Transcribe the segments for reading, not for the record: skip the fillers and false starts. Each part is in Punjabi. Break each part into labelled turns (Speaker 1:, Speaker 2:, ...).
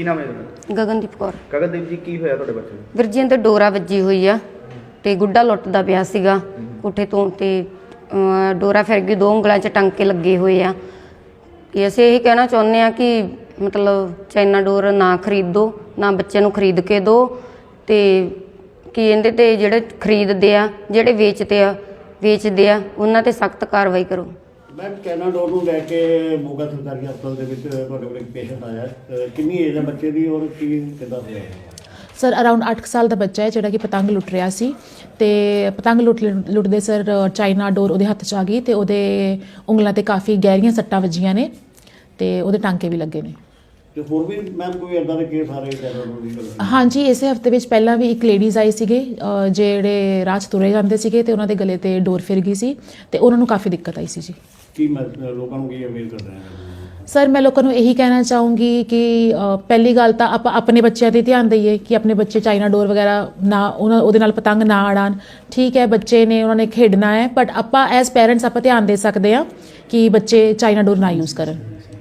Speaker 1: ਕੀ ਨਾਮ ਹੈ ਤੁਹਾਡਾ?
Speaker 2: ਗਗਨਦੀਪ ਕੌਰ।
Speaker 1: ਗਗਨਦੀਪ ਜੀ, ਕੀ ਹੋਇਆ ਤੁਹਾਡੇ ਬੱਚੇ ਨੂੰ?
Speaker 2: ਵੀਰ ਜੀ ਇਹਦੇ ਡੋਰਾ ਵੱਜੀ ਹੋਈ ਆ ਤੇ ਗੁੱਡਾ ਲੁੱਟਦਾ ਪਿਆ ਸੀਗਾ ਕੋਠੇ ਤੋਂ ਤੇ ਡੋਰਾ ਫਿਰ ਗਈ, 2 ਉਂਗਲਾਂ 'ਚ ਟਾਂਕੇ ਲੱਗੇ ਹੋਏ ਆ। ਕਿ ਅਸੀਂ ਇਹੀ ਕਹਿਣਾ ਚਾਹੁੰਦੇ ਆ ਕਿ ਮਤਲਬ ਚਾਈਨਾ ਡੋਰ ਨਾ ਖਰੀਦੋ, ਨਾ ਬੱਚੇ ਨੂੰ ਖਰੀਦ ਕੇ ਦਿਓ ਤੇ ਕਿ ਇਹਦੇ ਤੇ ਜਿਹੜੇ ਖਰੀਦਦੇ ਆ, ਜਿਹੜੇ ਵੇਚਦੇ ਆ ਉਹਨਾਂ ਤੇ ਸਖਤ ਕਾਰਵਾਈ ਕਰੋ।
Speaker 3: मैम चाइना डोर ਨੂੰ ਲੈ ਕੇ ਮੋਗਾ ਸਰਕਾਰੀ ਹਸਪਤਾਲ ਦੇ ਵਿੱਚ ਤੁਹਾਡੇ ਕੋਲ ਇੱਕ ਪੇਸ਼ੈਂਟ ਆਇਆ ਹੈ। ਕਿੰਨੀ ਏਜ ਹੈ ਬੱਚੇ ਦੀ ਔਰ ਕੀ ਕਿੱਦਾਂ ਹੋਇਆ?
Speaker 4: ਸਰ ਅਰਾਊਂਡ 8 ਸਾਲ ਦਾ ਬੱਚਾ ਹੈ ਜਿਹੜਾ ਕਿ ਪਤੰਗ ਲੁੱਟ ਰਿਹਾ ਸੀ ਤੇ ਪਤੰਗ ਲੁੱਟਦੇ ਸਰ ਚਾਈਨਾ ਡੋਰ ਉਹਦੇ ਹੱਥ 'ਚ ਆ ਗਈ ਤੇ ਉਹਦੇ ਉਂਗਲਾਂ ਤੇ ਕਾਫੀ ਗਹਿਰੀਆਂ ਸੱਟਾਂ ਵੱਜੀਆਂ ਨੇ ਤੇ ਉਹਦੇ ਟਾਂਕੇ ਵੀ ਲੱਗੇ ਨੇ।
Speaker 3: ਤੇ ਹੋਰ ਵੀ ਮੈਮ ਕੋਈ ਇਦਾਂ ਦੇ ਕੇਸ ਆ ਰਹੇ ਚਾਈਨਾ ਡੋਰ ਦੀ ਗੱਲ?
Speaker 4: ਹਾਂਜੀ, ਇਸੇ ਹਫਤੇ ਵਿੱਚ ਪਹਿਲਾਂ ਵੀ ਇੱਕ ਲੇਡੀਜ਼ ਆਈ ਸੀਗੇ ਜਿਹੜੇ ਰਾਹ 'ਚ ਤੁਰੇ ਜਾਂਦੇ ਸੀਗੇ ਤੇ ਉਹਨਾਂ ਦੇ ਗਲੇ ਤੇ ਡੋਰ ਫਿਰ ਗਈ ਸੀ ਤੇ ਉਹਨਾਂ ਨੂੰ ਕਾਫੀ ਦਿੱਕਤ ਆਈ ਸੀ ਜੀ।
Speaker 3: ਕੀ ਲੋਕਾਂ ਨੂੰ ਕੀ ਅਵੇਅਰ ਕਰ ਰਹੇ ਹਾਂ?
Speaker 4: ਸਰ ਮੈਂ ਲੋਕਾਂ ਨੂੰ ਇਹੀ ਕਹਿਣਾ ਚਾਹੂੰਗੀ ਕਿ ਪਹਿਲੀ ਗੱਲ ਤਾਂ ਆਪਾਂ ਆਪਣੇ ਬੱਚਿਆਂ 'ਤੇ ਧਿਆਨ ਦਈਏ ਕਿ ਆਪਣੇ ਬੱਚੇ ਚਾਈਨਾ ਡੋਰ ਵਗੈਰਾ ਨਾ ਉਹਦੇ ਨਾਲ ਪਤੰਗ ਨਾ ਉਡਾਉਣ। ਠੀਕ ਹੈ, ਬੱਚੇ ਨੇ, ਉਹਨਾਂ ਨੇ ਖੇਡਣਾ ਹੈ, ਬਟ ਆਪਾਂ ਐਜ਼ ਪੇਰੈਂਟਸ ਆਪਾਂ ਧਿਆਨ ਦੇ ਸਕਦੇ ਹਾਂ ਕਿ ਬੱਚੇ ਚਾਈਨਾ ਡੋਰ ਨਾ ਯੂਜ਼ ਕਰਨ।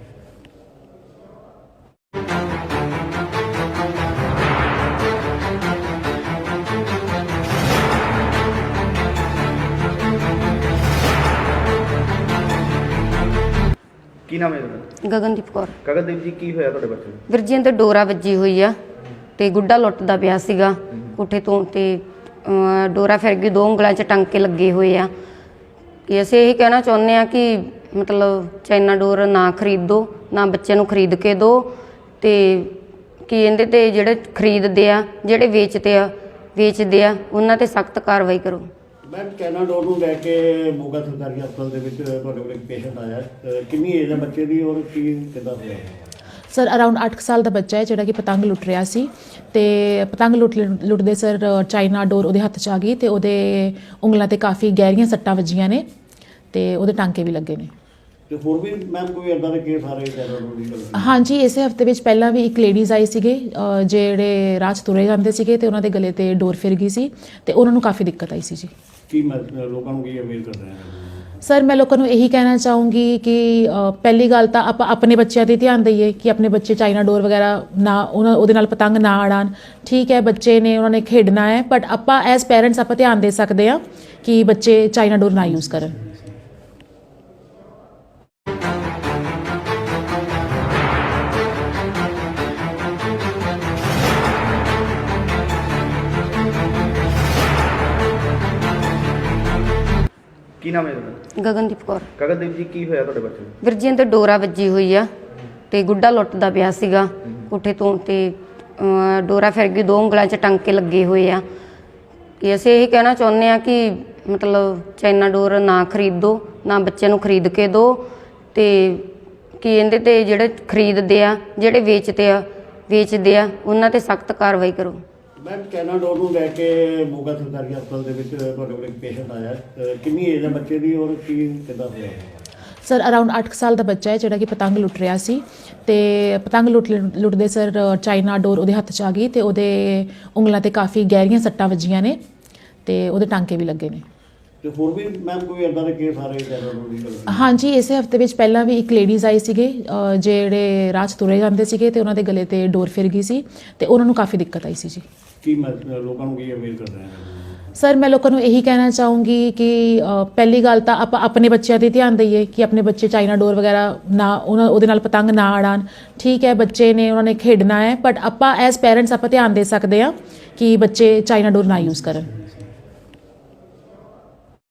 Speaker 1: ਕੀ ਨਾਮ ਹੈ ਤੁਹਾਡਾ?
Speaker 2: ਗਗਨਦੀਪ ਕੌਰ।
Speaker 1: ਗਗਨਦੀਪ ਜੀ, ਕੀ ਹੋਇਆ ਤੁਹਾਡੇ ਬੱਚੇ ਨੂੰ?
Speaker 2: ਵੀਰ ਜੀ ਇਹਦੇ ਡੋਰਾ ਵੱਜੀ ਹੋਈ ਆ ਤੇ ਗੁੱਡਾ ਲੁੱਟਦਾ ਪਿਆ ਸੀਗਾ ਕੋਠੇ ਤੋਂ ਤੇ ਡੋਰਾ ਫਿਰ ਗਈ, 2 ਉਂਗਲਾਂ 'ਚ ਟਾਂਕੇ ਲੱਗੇ ਹੋਏ ਆ। ਕਿ ਅਸੀਂ ਇਹੀ ਕਹਿਣਾ ਚਾਹੁੰਦੇ ਆ ਕਿ ਮਤਲਬ ਚਾਈਨਾ ਡੋਰ ਨਾ ਖਰੀਦੋ, ਨਾ ਬੱਚੇ ਨੂੰ ਖਰੀਦ ਕੇ ਦਿਓ ਤੇ ਕਿ ਇਹਦੇ ਤੇ ਜਿਹੜੇ ਖਰੀਦਦੇ ਆ, ਜਿਹੜੇ ਵੇਚਦੇ ਆ ਉਹਨਾਂ ਤੇ ਸਖਤ ਕਾਰਵਾਈ ਕਰੋ।
Speaker 3: ਮੈਮ ਚਾਈਨਾ ਡੋਰ ਨੂੰ ਲੈ ਕੇ ਮੋਗਾ ਸਰਕਾਰੀ ਹਸਪਤਾਲ ਦੇ ਵਿੱਚ ਤੁਹਾਡੇ ਕੋਲ ਇੱਕ ਪੇਸ਼ੈਂਟ ਆਇਆ ਹੈ। ਕਿੰਨੀ ਏਜ ਹੈ ਬੱਚੇ ਦੀ ਔਰ ਕੀ ਕਿੱਦਾਂ ਹੋਇਆ?
Speaker 4: ਸਰ ਅਰਾਊਂਡ 8 ਸਾਲ ਦਾ ਬੱਚਾ ਹੈ ਜਿਹੜਾ ਕਿ ਪਤੰਗ ਲੁੱਟ ਰਿਹਾ ਸੀ ਤੇ ਪਤੰਗ ਲੁੱਟਦੇ ਸਰ ਚਾਈਨਾ ਡੋਰ ਉਹਦੇ ਹੱਥ 'ਚ ਆ ਗਈ ਤੇ ਉਹਦੇ ਉਂਗਲਾਂ ਤੇ ਕਾਫੀ ਗਹਿਰੀਆਂ ਸੱਟਾਂ ਵੱਜੀਆਂ ਨੇ ਤੇ ਉਹਦੇ ਟਾਂਕੇ ਵੀ ਲੱਗੇ ਨੇ।
Speaker 3: ਤੇ ਹੋਰ ਵੀ ਮੈਮ ਕੋਈ ਇਦਾਂ ਦੇ ਕੇਸ ਆ ਰਹੇ ਚਾਈਨਾ ਡੋਰ ਦੀ ਗੱਲ?
Speaker 4: ਹਾਂਜੀ, ਇਸੇ ਹਫਤੇ ਵਿੱਚ ਪਹਿਲਾਂ ਵੀ ਇੱਕ ਲੇਡੀਜ਼ ਆਈ ਸੀਗੇ ਜਿਹੜੇ ਰਾਹ 'ਚ ਤੁਰੇ ਜਾਂਦੇ ਸੀਗੇ ਤੇ ਉਹਨਾਂ ਦੇ ਗਲੇ ਤੇ ਡੋਰ ਫਿਰ ਗਈ ਸੀ ਤੇ ਉਹਨਾਂ ਨੂੰ ਕਾਫੀ ਦਿੱਕਤ ਆਈ ਸੀ ਜੀ।
Speaker 3: ਕੀ ਲੋਕਾਂ ਨੂੰ ਕੀ ਅਵੇਅਰ ਕਰ ਰਹੇ ਹਾਂ?
Speaker 4: ਸਰ ਮੈਂ ਲੋਕਾਂ ਨੂੰ ਇਹੀ ਕਹਿਣਾ ਚਾਹੂੰਗੀ ਕਿ ਪਹਿਲੀ ਗੱਲ ਤਾਂ ਆਪਾਂ ਆਪਣੇ ਬੱਚਿਆਂ 'ਤੇ ਧਿਆਨ ਦਈਏ ਕਿ ਆਪਣੇ ਬੱਚੇ ਚਾਈਨਾ ਡੋਰ ਵਗੈਰਾ ਨਾ ਉਹਦੇ ਨਾਲ ਪਤੰਗ ਨਾ ਉਡਾਉਣ। ਠੀਕ ਹੈ, ਬੱਚੇ ਨੇ, ਉਹਨਾਂ ਨੇ ਖੇਡਣਾ ਹੈ, ਬਟ ਆਪਾਂ ਐਜ਼ ਪੇਰੈਂਟਸ ਆਪਾਂ ਧਿਆਨ ਦੇ ਸਕਦੇ ਹਾਂ ਕਿ ਬੱਚੇ ਚਾਈਨਾ ਡੋਰ ਨਾ ਯੂਜ਼ ਕਰਨ।
Speaker 1: ਕੀ ਨਾਮ ਹੈ ਤੁਹਾਡਾ?
Speaker 2: ਗਗਨਦੀਪ ਕੌਰ।
Speaker 1: ਗਗਨਦੀਪ ਜੀ, ਕੀ ਹੋਇਆ ਤੁਹਾਡੇ ਬੱਚੇ ਨੂੰ?
Speaker 2: ਵੀਰ ਜੀ ਇਹਦੇ ਡੋਰਾ ਵੱਜੀ ਹੋਈ ਆ ਤੇ ਗੁੱਡਾ ਲੁੱਟਦਾ ਪਿਆ ਸੀਗਾ ਕੋਠੇ ਤੋਂ ਤੇ ਡੋਰਾ ਫਿਰ ਗਈ, 2 ਉਂਗਲਾਂ 'ਚ ਟਾਂਕੇ ਲੱਗੇ ਹੋਏ ਆ। ਕਿ ਅਸੀਂ ਇਹੀ ਕਹਿਣਾ ਚਾਹੁੰਦੇ ਆ ਕਿ ਮਤਲਬ ਚਾਈਨਾ ਡੋਰ ਨਾ ਖਰੀਦੋ, ਨਾ ਬੱਚੇ ਨੂੰ ਖਰੀਦ ਕੇ ਦਿਓ ਤੇ ਕਿ ਇਹਦੇ ਤੇ ਜਿਹੜੇ ਖਰੀਦਦੇ ਆ, ਜਿਹੜੇ ਵੇਚਦੇ ਆ ਉਹਨਾਂ ਤੇ ਸਖਤ ਕਾਰਵਾਈ ਕਰੋ।
Speaker 3: ਮੈਮ ਚਾਈਨਾ ਡੋਰ ਨੂੰ ਲੈ ਕੇ ਮੋਗਾ ਸਰਕਾਰੀ ਹਸਪਤਾਲ ਦੇ ਵਿੱਚ ਤੁਹਾਡੇ ਕੋਲ ਇੱਕ ਪੇਸ਼ੈਂਟ ਆਇਆ ਹੈ। ਕਿੰਨੀ ਏਜ ਹੈ ਬੱਚੇ ਦੀ ਔਰ ਕੀ ਕਿੱਦਾਂ ਹੋਇਆ?
Speaker 4: ਸਰ ਅਰਾਊਂਡ 8 ਸਾਲ ਦਾ ਬੱਚਾ ਹੈ ਜਿਹੜਾ ਕਿ ਪਤੰਗ ਲੁੱਟ ਰਿਹਾ ਸੀ ਤੇ ਪਤੰਗ ਲੁੱਟਦੇ ਸਰ ਚਾਈਨਾ ਡੋਰ ਉਹਦੇ ਹੱਥ 'ਚ ਆ ਗਈ ਤੇ ਉਹਦੇ ਉਂਗਲਾਂ ਤੇ ਕਾਫੀ ਗਹਿਰੀਆਂ ਸੱਟਾਂ ਵੱਜੀਆਂ ਨੇ ਤੇ ਉਹਦੇ ਟਾਂਕੇ ਵੀ ਲੱਗੇ ਨੇ।
Speaker 3: ਤੇ ਹੋਰ ਵੀ ਮੈਮ ਕੋਈ ਇਦਾਂ ਦੇ ਕੇਸ ਆ ਰਹੇ ਚਾਈਨਾ ਡੋਰ ਦੀ ਗੱਲ?
Speaker 4: ਹਾਂਜੀ, ਇਸੇ ਹਫਤੇ ਵਿੱਚ ਪਹਿਲਾਂ ਵੀ ਇੱਕ ਲੇਡੀਜ਼ ਆਈ ਸੀਗੇ ਜਿਹੜੇ ਰਾਹ 'ਚ ਤੁਰੇ ਜਾਂਦੇ ਸੀਗੇ ਤੇ ਉਹਨਾਂ ਦੇ ਗਲੇ ਤੇ ਡੋਰ ਫਿਰ ਗਈ ਸੀ ਤੇ ਉਹਨਾਂ ਨੂੰ ਕਾਫੀ ਦਿੱਕਤ ਆਈ ਸੀ ਜੀ।
Speaker 3: ਕੀ ਲੋਕਾਂ ਨੂੰ ਕੀ ਅਵੇਅਰ ਕਰ ਰਹੇ ਹਾਂ?
Speaker 4: ਸਰ ਮੈਂ ਲੋਕਾਂ ਨੂੰ ਇਹੀ ਕਹਿਣਾ ਚਾਹੂੰਗੀ ਕਿ ਪਹਿਲੀ ਗੱਲ ਤਾਂ ਆਪਾਂ ਆਪਣੇ ਬੱਚਿਆਂ 'ਤੇ ਧਿਆਨ ਦਈਏ ਕਿ ਆਪਣੇ ਬੱਚੇ ਚਾਈਨਾ ਡੋਰ ਵਗੈਰਾ ਨਾ ਉਹਦੇ ਨਾਲ ਪਤੰਗ ਨਾ ਉਡਾਉਣ। ਠੀਕ ਹੈ, ਬੱਚੇ ਨੇ, ਉਹਨਾਂ ਨੇ ਖੇਡਣਾ ਹੈ, ਬਟ ਆਪਾਂ ਐਜ਼ ਪੇਰੈਂਟਸ ਆਪਾਂ ਧਿਆਨ ਦੇ ਸਕਦੇ ਹਾਂ ਕਿ ਬੱਚੇ ਚਾਈਨਾ ਡੋਰ ਨਾ ਯੂਜ਼ ਕਰਨ।